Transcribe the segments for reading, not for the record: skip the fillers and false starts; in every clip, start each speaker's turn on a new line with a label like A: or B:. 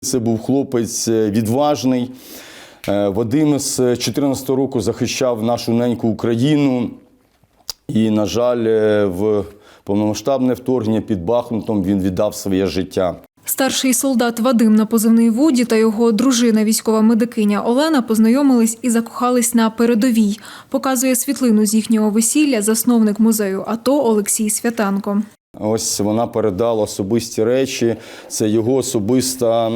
A: Це був хлопець відважний. Вадим з 2014 року захищав нашу неньку Україну. І, на жаль, в повномасштабне вторгнення під Бахмутом він віддав своє життя.
B: Старший солдат Вадим на позивний Вуді та його дружина, військова медикиня Олена, познайомились і закохались на передовій. Показує світлину з їхнього весілля засновник музею АТО Олексій Святанко.
A: Ось вона передала особисті речі. Це його особиста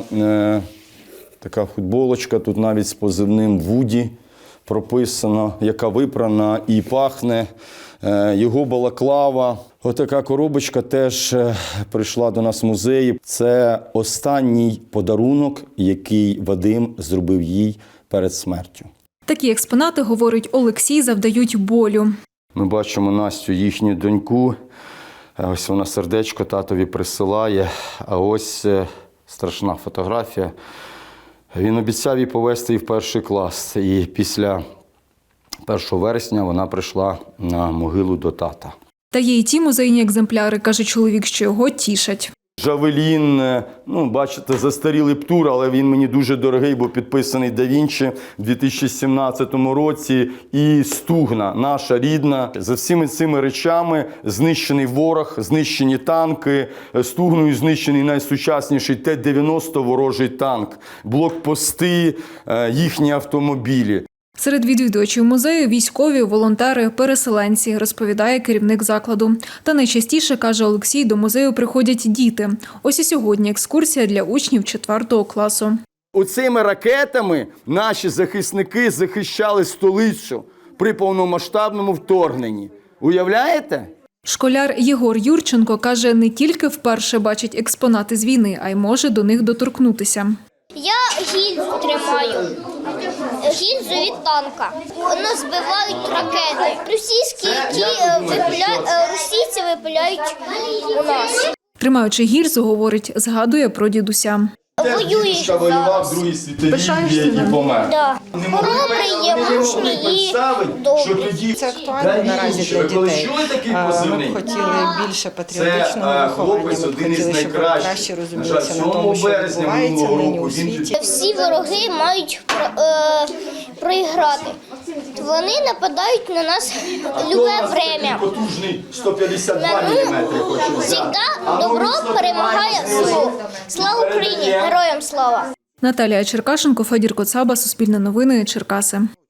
A: така футболочка, тут навіть з позивним Вуді прописано, яка випрана і пахне. Його балаклава. Отака коробочка теж прийшла до нас в музеї. Це останній подарунок, який Вадим зробив їй перед смертю.
B: Такі експонати, говорить Олексій, завдають болю.
A: Ми бачимо Настю, їхню доньку. Ось вона сердечко татові присилає, а ось страшна фотографія. Він обіцяв її повезти і в перший клас. І після 1 вересня вона прийшла на могилу до тата.
B: Та є й ті музейні екземпляри, каже чоловік, що його тішать.
A: Жавелін, бачите, застарілий птур, але він мені дуже дорогий, бо підписаний Да Вінчі в 2017 році. І стугна, наша рідна. За всіми цими речами знищений ворог, знищені танки, стугною знищений найсучасніший Т-90 ворожий танк, блокпости, їхні автомобілі.
B: Серед відвідувачів музею – військові, волонтери, переселенці, розповідає керівник закладу. Та найчастіше, каже Олексій, до музею приходять діти. Ось і сьогодні екскурсія для учнів 4 класу.
A: Оцими ракетами наші захисники захищали столицю при повномасштабному вторгненні. Уявляєте?
B: Школяр Єгор Юрченко каже, не тільки вперше бачить експонати з війни, а й може до них доторкнутися.
C: Я гільзу тримаю, гільзу від танка. Воно збивають ракети. Російські, російці випиляють у нас.
B: Тримаючи гільзу, говорить, згадує про дідуся.
C: Воюють зараз.
B: Пишаєшся?
C: Да. Хоробрий є, мужній і добрий.
D: Це актуально наразі для дітей. Ми б хотіли більше патріотичного виховання, ми б хотіли, щоб вони краще розумілися на тому, що відбувається нині у світі.
C: Всі вороги мають проіграти. Вони нападають на нас любе время.
A: Потужний 152 мм.
C: Завжди добро перемагає зло. Слава Україні! Героям слава!
B: Наталія Черкашенко, Федір Коцаба, Суспільне новини, Черкаси.